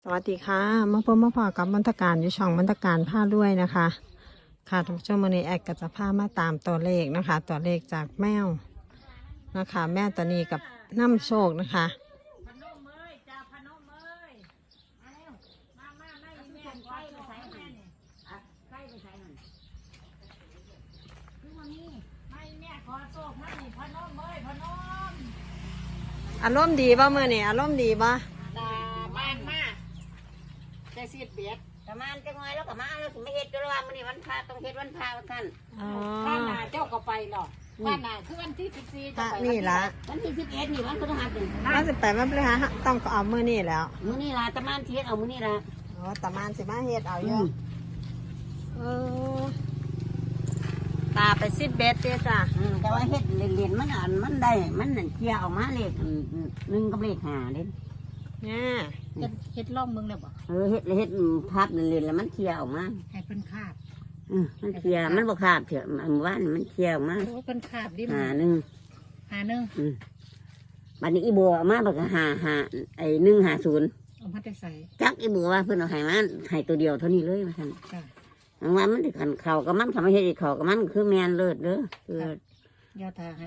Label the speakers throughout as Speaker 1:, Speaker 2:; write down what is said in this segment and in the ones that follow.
Speaker 1: สวัสดีค่ะมาพบมาพอกับบรรทการอยู่ช่องบรรทการผ้าด้วยนะคะค่ะทุกช่วงวันนี้แอดก็จะพามาตามตัวเลขนะคะ ตัวเลขจากแมวนะคะ แม่ตัวนี้กับน้ำโชคนะคะอารมณ์ดีป่ะเมื่อนี่อารมณ์ดีป่ะ
Speaker 2: ตาบ้านมากแต่สิเบียดประมาณจังไงแล้วก็มาแล้วถึงไม่เฮ็ดด้วยว่ามื้อนี้วันพระต้องเฮ็ดวันพระว่าท่านบ้านนาเจ้าก็ไปหรอกบ้านนาคือวันที่14จะไป
Speaker 1: นี่ละ
Speaker 2: วันที่11นี่วันพฤหัสนี่
Speaker 1: น่าจะไปมาเลยฮะต้องเอาเมื่อนี่แล้ว
Speaker 2: มื้อนี้ล่ะตะมานเฮ็ดเอามื้อนี้ล่ะ
Speaker 1: อ๋อตะมานสิมาเฮ็ดเอาเยอะตาไป10 เบ็ดเด้อจ้ะ
Speaker 2: แต่ว่าเฮ็ดเล่นๆมันได้มันนั่นเคลียร์ออกมาเลข1กับเลข5เด้
Speaker 1: เนี่ย
Speaker 3: เฮ็ดล่องมึงแล้วบ่
Speaker 2: เฮ็ดภาพเล่นๆแล้วมันเคลียร์ออกมา
Speaker 3: ให้เพิ่นคาบ
Speaker 2: มันเคลียร์มันบ่คาบเถอะเมื่อวานมันเคลียร์ออกมา
Speaker 3: โอ้เพิ่นคาบดิ
Speaker 2: หาบัดนี้อีบัวมาบักหาไอ้150
Speaker 3: เอามาแต่ใส่
Speaker 2: จักอีบัวว่าเพิ่นเอาให้มาให้ตัวเดียวเท่านี้เลยว่าซั่น
Speaker 3: จ้ะ
Speaker 2: ว่ามันสิขันเข่ากับมันทำให้เฮ็ดเข่ากับมันคือแมนเลิศเด้อคื
Speaker 3: อยาทาให้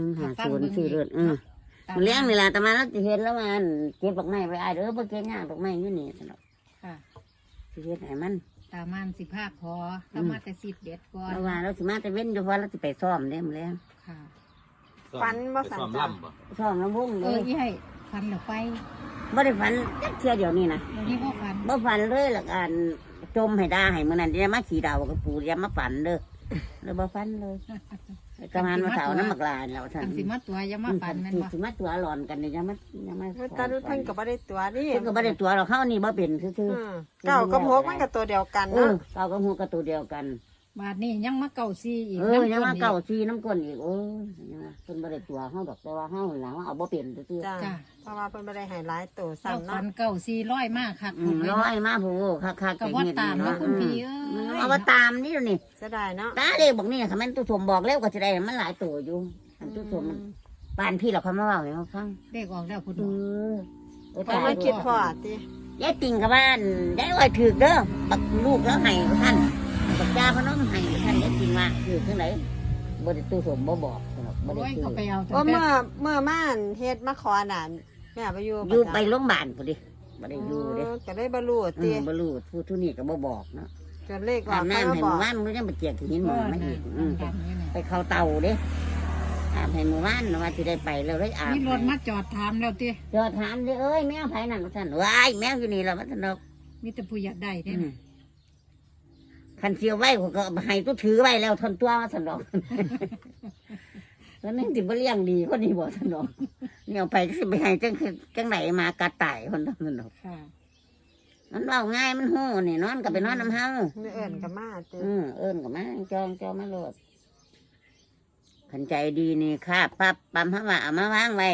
Speaker 2: 150ชื่อเลิศมันเลี้ยงนี่ล่ะแต่มาแล้วสิเฮ็ดแล้วมันเก็บดอกไม้ไว้อ้ายเด้อบ่เก็บยากดอกไม้อยู่นี่ซั่นดอก
Speaker 3: ค่ะ
Speaker 2: สิเฮ็ดให้มัน
Speaker 3: ตามันสิภาคขอถ้ามาแต่10 เด็ดก่อน
Speaker 2: แล้วว่าเราสิมาแต่เว้นอยู่เพราะเราสิไปซ้อมเด้มื้อแลง
Speaker 3: ค่ะ
Speaker 1: ฟันบ่สั่นจ้ะ
Speaker 2: ซ้อมลำวงเลย
Speaker 3: อีให้ฟันแล้วไป
Speaker 2: บ่ได้ฝันจักเที่ยเดียวนี่นะ
Speaker 3: วันนี้บ่
Speaker 2: ฝันเลยแล้วกันจมให้ได้ให้มื้อนั้นอย่ามาขี่ดาวกับปู่อย่ามาฝันเด้อเลยบ่ฝันเลยกำลังมาเสาน้ำหมักลายแล้วท่าน
Speaker 3: สิมาตัวอย่ามาฝันแม่นบ่
Speaker 2: สิมาตัวหลอนกันนี่อย่ามา
Speaker 1: ตาดูเพิ่นก็บ่ได้ตัวนี่
Speaker 2: เพิ่นก็บ่ได้ตัวหรอกเฮานี่บ่เป็นซื่อ
Speaker 1: ๆ9กับ6มันก็ตัวเดียวกันเนาะ
Speaker 2: 9กับ6ก็ตัวเดียวกัน
Speaker 3: บาดนี้ยังมา94อีก
Speaker 2: ยังมา94น้ำก้นอีกโอ้ยเพิ่นบ่ได้ตัวเฮาดอกแต่ว่าเฮาหลังเอาบ่เป็นซื่อ
Speaker 1: ๆจ้ะเพราะว่าเพิ่นบ่ได้ให้หลายตัวซ้ำเนาะ
Speaker 3: ฟัน9400มากคัก
Speaker 2: ร้อยมาโหคัก
Speaker 3: ก็บ่ตามเนาะคุณพี่
Speaker 2: เอาว่าตามนี่นี่
Speaker 1: เสียดายเนาะ
Speaker 2: ตาเด้บอกนี่ค่ะมันตู้สมบอกแล้วก็สิได้มันหลายตัวอยู่อันตู้สมมันปานพี่เราเขามาเว้าให้เฮาฟัง
Speaker 3: เลขออกแล้วพุ่น
Speaker 1: ไปมาคิดพอติ
Speaker 2: ยายติ่งกับบ้านยายอ้อยถือเด้อบักลูกแล้วให้ท่านบักจ้าพน้องให้ท่านยายติ่งมาถือที่ไหนบ่ได้ตู้สมบ่บอกบ่ได้ถือ
Speaker 1: เมื่อม่านเฮ็ดมาขอน่ะแม่ไปอยู่
Speaker 2: ไปโรงพยาบาลพุ่นดิบ่ได้อยู่เด้
Speaker 1: ก็ได้บ่รู้ติ
Speaker 2: บ่รู้ผู้ทุนี้ก็บ่บอกเนาะ
Speaker 1: จนเลขออก
Speaker 2: น้ำให้หมู่บ้านมันยังไปเจียกหินหมอมาอีกไปเข้าเตาเด้อาบให้หมู่บ้านว่าสิได้ไปแล้วได้อาบ
Speaker 3: มีรถมาจอดถามแล้วติ
Speaker 2: จอดถามดิเอ้ยแมวไผนั่นท่านว้ายแมวอยู่นี่แล้วมันสนุก
Speaker 3: มีแต่ผู้อยากได้เด้
Speaker 2: คันเสียวไว้ก็ให้ตู้ถือไว้แล้วทนตัวมาสนุกแล้วนั่นสิบ่เลี้ยงดีคนนี้บ่สนุกเนี่ยไปก็สิไปให้จังไหนมากระต่ายคนทำสนุกมันเบาง่ายมันหู้นี่นอนกับไปนอนน้ำเฮา
Speaker 1: เอิญกับมา
Speaker 2: เอิญกับมาจองมาโลดขันใจดีนี่ค่ะปั๊บปั๊มเขาว่าเอามาวางไว้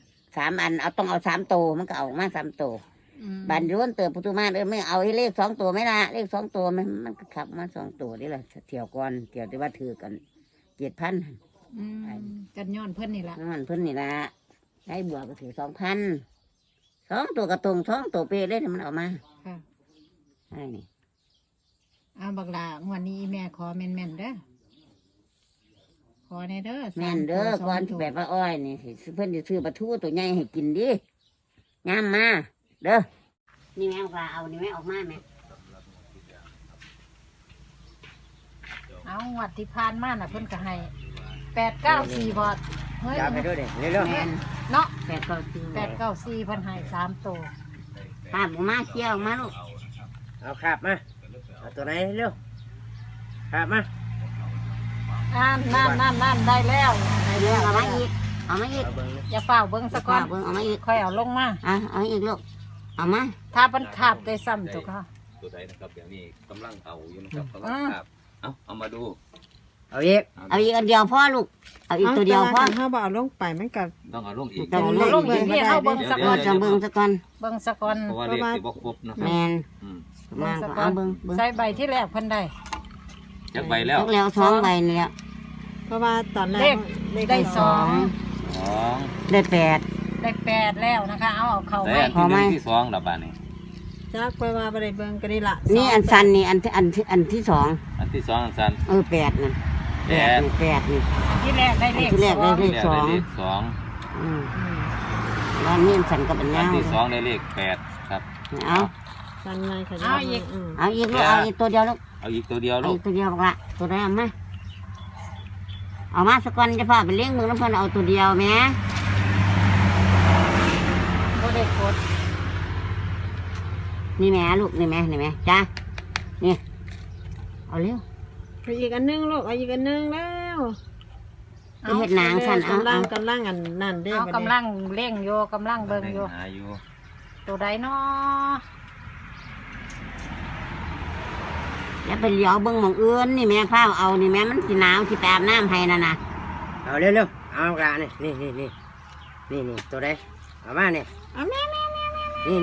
Speaker 2: 3 อันเอาต้องเอา3 ตัวมันก็เอามา3 ตัวบันย้วนเติบประตูมาไม่เอาให้เลข2 ตัวไม่ละเลข2 ตัวมันก็ขับมา2 ตัวนี่แหละเที่ยวก่อนเที่ยวที่ว่าถือกัน7,000
Speaker 3: กันย้อนเพิ่นนี่ละ
Speaker 2: ย้อนเพิ่นนี่ละได้บวกก็ถือ2,000 2 ตัวกระตรง2 ตัวเป๊ะเลยมันเอามาใช่นี่
Speaker 3: บักหลางวันนี้แม่ขอแม่นเด้อขอในเด้อ
Speaker 2: แม่นเด้อก่อนแบบว่าอ้อยนี่เพิ่นจะซื้อปลาทูตัวใหญ่ให้กินดิงามมาเด้อนี่แม่ปลาเอานี่แม่ออกมาแม่
Speaker 3: เอาวัดที่ผ่านมาน่ะเพิ่นก็ให้894บาท
Speaker 2: เฮ้ยไปด้วยเด้เร็ว
Speaker 3: เนาะ894
Speaker 2: เ
Speaker 3: พิ่นให้3 ตัว
Speaker 2: ป้ามาเกี่ยวมาลูก
Speaker 4: เอาขับมาเอาตัวไหนเร็วขับมา
Speaker 3: นั่นได้แล้ว
Speaker 2: เอามาอีก
Speaker 3: อย่าเฝ้าเบิ้งสักก่อน
Speaker 2: เอามาอีก
Speaker 3: ค่อยเอาลงมา
Speaker 2: เอาอีกลูกเอามา
Speaker 3: ถ้ามันขาบได้ซ้ำตัวค่ะ
Speaker 4: ตัวไหนนะครับอย่างนี้กำลังเอาอยู่นะครับกำลังขับเอามาดู
Speaker 2: เอาอีกอันเดียวพ่อลูกเอาอีกตัวเดียวพ่อ
Speaker 1: ถ้าบ่เอาลงไปมันก็
Speaker 4: ต้องเอาลงอีก
Speaker 3: ต้องลงอีกเอาเบิ้งสักก่อน
Speaker 2: เบิ้งสักก่อน
Speaker 4: เพราะว่าเลขสิบครบนะครับ
Speaker 2: แมน
Speaker 3: เอาเบิ้งใส่ใบที่แรกเพิ่นได้
Speaker 4: จากใบแล้ว
Speaker 2: 2 ใบนี่แล้ว
Speaker 1: เพราะว่าตอนแรก
Speaker 3: ได้
Speaker 2: 2ได้8
Speaker 3: แล้วนะคะเอาเข้าไว้
Speaker 4: ขอไม้ที่2ละบาทนี่
Speaker 1: จักไปว่าบ่ได้เบิ่งก็นี่ล่ะ
Speaker 2: นี่อันสันนี่อันที่สอง
Speaker 4: อันที่สองอันสัน
Speaker 2: แปดนั่น
Speaker 4: แปด
Speaker 2: แปดนี่
Speaker 3: ที่แรกได้เลข
Speaker 2: ที่แรกได้เลข
Speaker 4: ที่แรกได้เลขสอง
Speaker 2: อืมแล้วนี่อันสันกับอัน
Speaker 4: อัน
Speaker 2: ยาว
Speaker 4: ที่สองได้เลขแปดครับ
Speaker 2: เอา
Speaker 1: สันในขยั
Speaker 3: เอาอีก
Speaker 2: เอาอีกลูกเอาอีกตัวเดียวลูก
Speaker 4: เอาอีกตัวเดียว
Speaker 2: เอา
Speaker 4: ลู
Speaker 2: อี
Speaker 4: ก
Speaker 2: กตัวเดียวบอกละตัวแรกมาเอามาสักก่อนจะพาไปเลี้ยงมึงน้ำเพิ่นเอาตัวเดียวแม่
Speaker 3: บ่ได้กด
Speaker 2: นี่แม่ลูกนี่แม่จ้านี่เอาเร็ว
Speaker 1: ไปอีกอันนึงลูกเอาอีกอันนึงแล้ว
Speaker 2: ไปเฮ็ดหนางสั่นเอา
Speaker 1: กำลังอันนั่นเด้
Speaker 3: เอา
Speaker 1: บัดนี้
Speaker 3: กำลังเร่งโยกำลังเบิ่งโย
Speaker 4: หาอยู่
Speaker 3: ตัวใดเนาะ
Speaker 2: แล้วไปเลี้ยวเบิ่งหมองอื่นนี่แม่พาเอานี่แม่มันสิหนาวสิไปอาบน้ำให้นั่นน่ะ
Speaker 5: เอาเร็วๆเอากระนี่ตัวใดเอามาเนี่ย
Speaker 1: เอาแม่
Speaker 5: นี่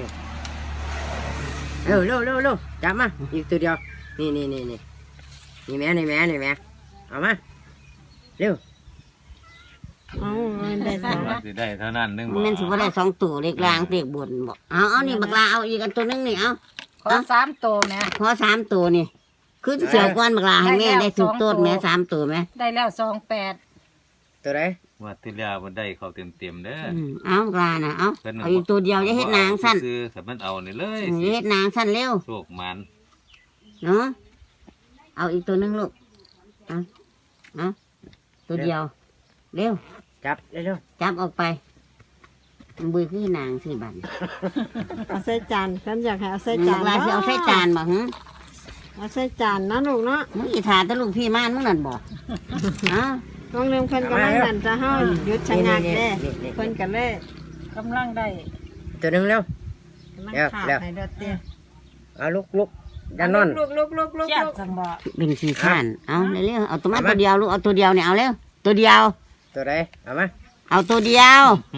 Speaker 5: เร็วจับมาอีกตัวเดียวนี่แม่เอามาเร็ว
Speaker 1: เอาได้สอง
Speaker 4: ว่าสิได้เท่านั้นนึง
Speaker 2: มันสิบ่ได้สองตัวเล็กลางเด็กบนบอกเอานี่บักลาเอาอีกอันตัวนึงนี่เอา
Speaker 3: ขอ3ตัวแม่
Speaker 2: ขอสามตัวนี่คือเสียวก้อนบักลาให้แม่ได้สุดต้นแม่สามตัวแม่
Speaker 3: ได้แล้ว28
Speaker 5: ตัวใด
Speaker 4: ว่าที่แล้วมันได้เขาเต็มๆเด้อ
Speaker 2: เอาบักลานะเอา
Speaker 4: พิ่น
Speaker 2: เอาอีกตัวเดียวจะเฮ็ดนางสั้น
Speaker 4: ซื้อแต่มันเอานี่เลย
Speaker 2: จะเฮ็ดนางสั้นเร็ว
Speaker 4: โชคมัน
Speaker 2: เนาะเอาอีกตัวนึงลูกเอาตัวเดียวเร็ว
Speaker 5: จับเร็ว
Speaker 2: จับออกไปมันบุยคือนางสิบัน
Speaker 1: เอาใส่จานฉันอยากให้เอาใส่
Speaker 2: บั
Speaker 1: จาน
Speaker 2: กลาสิเอาใส่จานบ่หึ
Speaker 1: เอาใส่จานนะลูกเนาะ
Speaker 2: มึงอีถาแตะลูกพี่ม่านมึงนั่นบ่เอา
Speaker 1: น้องเริ่มเพิ่นกำลังนั่นจะเฮาหยุดชะงักเด้เพิ่นก็เลย
Speaker 3: กำลังได้
Speaker 5: ตัวหนึงเร็ว
Speaker 1: กำลัง
Speaker 5: เดี๋ยว
Speaker 1: ขาด
Speaker 5: เดี๋ยว
Speaker 1: ให้เด้อเต้
Speaker 5: เอาลุกอย่านอน
Speaker 1: ลูก
Speaker 3: เขียนจังบ่
Speaker 2: เป็นขี้ข้านเอาเร็วๆเอาตัวมาตัวเดียวลูกเอาตัวเดียวเนี่ยเอาเร็วตัวเดียว
Speaker 5: ตัวใดเอามา
Speaker 2: เอาตัวเดียว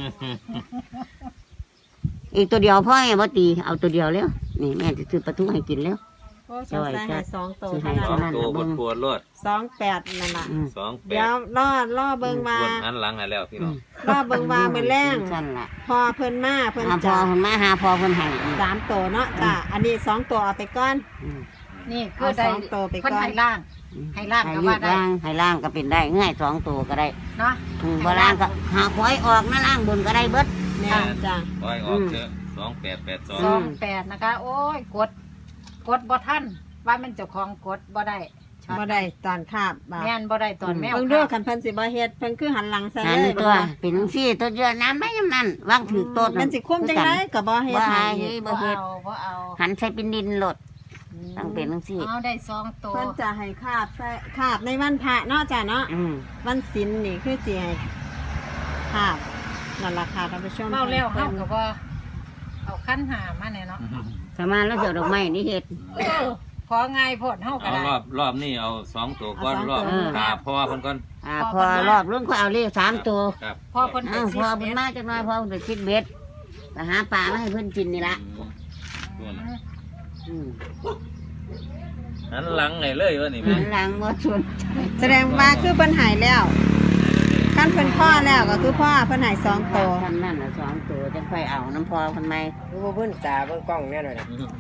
Speaker 2: อีกตัวเดียวพ่อไงบ่ตีเอาตัวเดียวเร็วนี่แม่จะซื้อปลาทูให้กินเร็ว
Speaker 1: โอ้สงสัยให้สองตัว
Speaker 2: สิให้
Speaker 1: เท่า
Speaker 4: ส
Speaker 1: นั้
Speaker 4: อน งตัวปวดรถ
Speaker 1: 28นั่นล่ะ
Speaker 2: อืม
Speaker 4: 28
Speaker 1: เดี๋ยวรอเบิ่งว่า
Speaker 4: ปวดอันหลังให้แล้วพี่น้อง
Speaker 1: รอเบิ่งว่ามื้อแรง
Speaker 2: สั่นล่ะ
Speaker 1: พอเพิ่นมาเพิ่น
Speaker 2: หาพอ
Speaker 1: จะ
Speaker 2: เพิ่นมาหาพอเพิ่นให้อีก
Speaker 1: 3ตัวเนาะจ้ะอันนี้2ตัวเอาไปก่อน
Speaker 2: อืม
Speaker 3: นี่คือได้
Speaker 1: เอา2ตัวไปก่อน
Speaker 3: เพิ่นให้ล่างให้ล่าง
Speaker 2: ให้
Speaker 3: ก็
Speaker 2: ลู
Speaker 3: ว่าก ได้
Speaker 2: ล่างให้ล่างก็เป็นได้ง่ายสองตัวก็ได้
Speaker 3: เนาะ
Speaker 2: บ่ล่างก็หาหวยออกนะล่างบนก็ได้เบิด
Speaker 1: แม่จ้ะ
Speaker 4: ปล่อยออกเถอะ2882
Speaker 3: 28นะคะ โอ้ยกดบ่ทันว่ามันเจ้าของกดบ่ได้ช็อต
Speaker 1: บ่ได้ตอนคาบบ่า
Speaker 3: แม่นบ่ได้ตอนแมว
Speaker 1: เบิ่งดูคันเพิ่นสิบ่เฮ็ดเพิ่นคือหันหลังใส่
Speaker 2: นั่น
Speaker 1: เลย
Speaker 2: ตัวเป็นจังซี่ตัวเดียวน้ำไม่ยำนั่นวางถือโต๊ะ
Speaker 1: มันสิคุ้มจังได๋ก็บ่เฮ็ด
Speaker 2: บ่
Speaker 1: ให้
Speaker 2: ให้
Speaker 1: อีก
Speaker 2: บ่เฮ็ด
Speaker 3: บ่เอา
Speaker 2: หันใส่เป็นดินโหลดต้องเป็นจังซี่
Speaker 3: เอาได้2ตัว
Speaker 1: เพิ่นจะให้คาบใส่คาบในวันพระเนาะจ้ะเนาะ
Speaker 2: อืม
Speaker 1: วันศีลนี่คือสิให้คาบนั่นล่ะค่ะท่านผู้ชม
Speaker 3: เมาแล้วเฮาก็บ่เอาคันหามาแน่เนาะ
Speaker 2: สามารถแล้วเสียวดอกไม้นี่เฮ็ด
Speaker 3: ของ่ายโพดเฮาก็
Speaker 4: เอา
Speaker 3: ได้
Speaker 4: รอบนี้เอา2ตัวก่อนรอบ
Speaker 2: เออ
Speaker 4: ตาพ่อเพิ่นก่อน
Speaker 2: พอรอบรุ่นก็เอาเลข3ตัว
Speaker 4: ครับ
Speaker 3: พอเพิ่นไป
Speaker 2: พอเพิ่นมาจักหน่อยพอเพิ่นไปคิดเบ็ดไปหาปลามาให้เพิ่นกินนี่ละ
Speaker 4: ตัวน่ะ
Speaker 2: อืม
Speaker 4: หันหลังให้เลยว่านี่แม่
Speaker 2: หลังบ่ชวน
Speaker 1: แสดงว่าคือเพิ่นใหายแล้วคันเพิ่นพ่อแล้วก็คือพ่อเพิ่นใหาย2ตัว
Speaker 2: ทำนั่นน่ะ2ตัวจังค่อยเอาน้ำพอเพิ่นใหม่
Speaker 5: ดูบ่เพิ่นตาเบิ่งกล้องแน่หน่อยนะ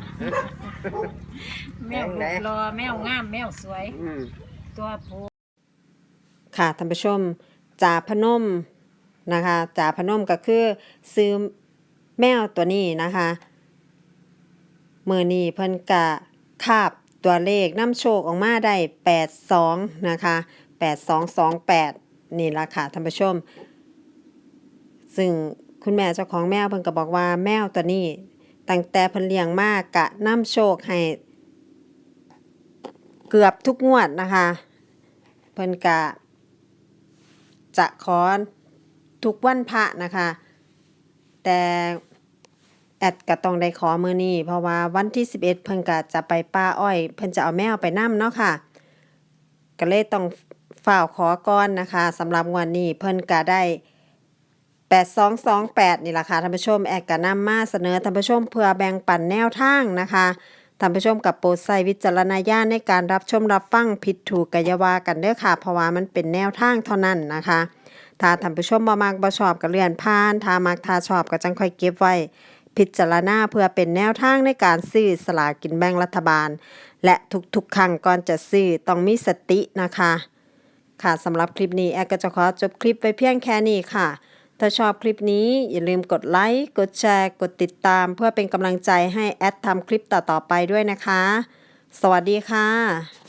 Speaker 3: แมวรูปรอแมวงามแมวสวย
Speaker 2: อืม
Speaker 3: ตัวผู้
Speaker 1: ค่ะท่านผู้ชมจ่าพนมนะคะจ่าพนมก็คือซื้อแมวตัวนี้นะคะมือนี้เพิ่นกะคาบตัวเลขน้ำโชคออกมาได้82นะคะ8228นี่ละค่ะท่านผู้ชมซึ่งคุณแม่เจ้าของแมวเพิ่นก็บอกว่าแมวตัวนี้ตั้งแต่เพิ่นเลี้ยงมากกะน้ำโชคให้เกือบทุกงวดนะคะเพิ่นกะจะขอทุกวันพระนะคะ แต่แอดก็ต้องได้ขอมื้อนี้เพราะว่าวันที่11เพิ่นก็จะไปป่าอ้อยเพิ่นจะเอาแมวไปนำเนาะค่ะก็เลยต้องฝ่าวขอก่อนนะคะสำหรับงวดนี้เพิ่นก็ได้8228นี่ล่ะค่ะท่านผู้ชมแอดก็นำมาเสนอท่านผู้ชมเพื่อแบ่งปันแนวทางนะคะท่านผู้ชมกับโปรดใช้วิจารณญาณในการรับชมรับฟังผิดถูกก็อย่าว่ากันเด้อค่ะเพราะว่ามันเป็นแนวทางเท่านั้นนะคะถ้าท่านผู้ชมบ่มักบ่ชอบก็เลื่อนผ่านถ้ามักถ้าชอบก็จังค่อยเก็บไว้พิจารณาเพื่อเป็นแนวทางในการซื้อสลากกินแบ่งรัฐบาล และทุกๆครั้งก่อนจะซื้อต้องมีสตินะคะค่ะสำหรับคลิปนี้แอดก็จะขอจบคลิปไว้เพียงแค่นี้ค่ะถ้าชอบคลิปนี้อย่าลืมกดไลค์กดแชร์กดติดตามเพื่อเป็นกำลังใจให้แอดทำคลิปต่อๆไปด้วยนะคะสวัสดีค่ะ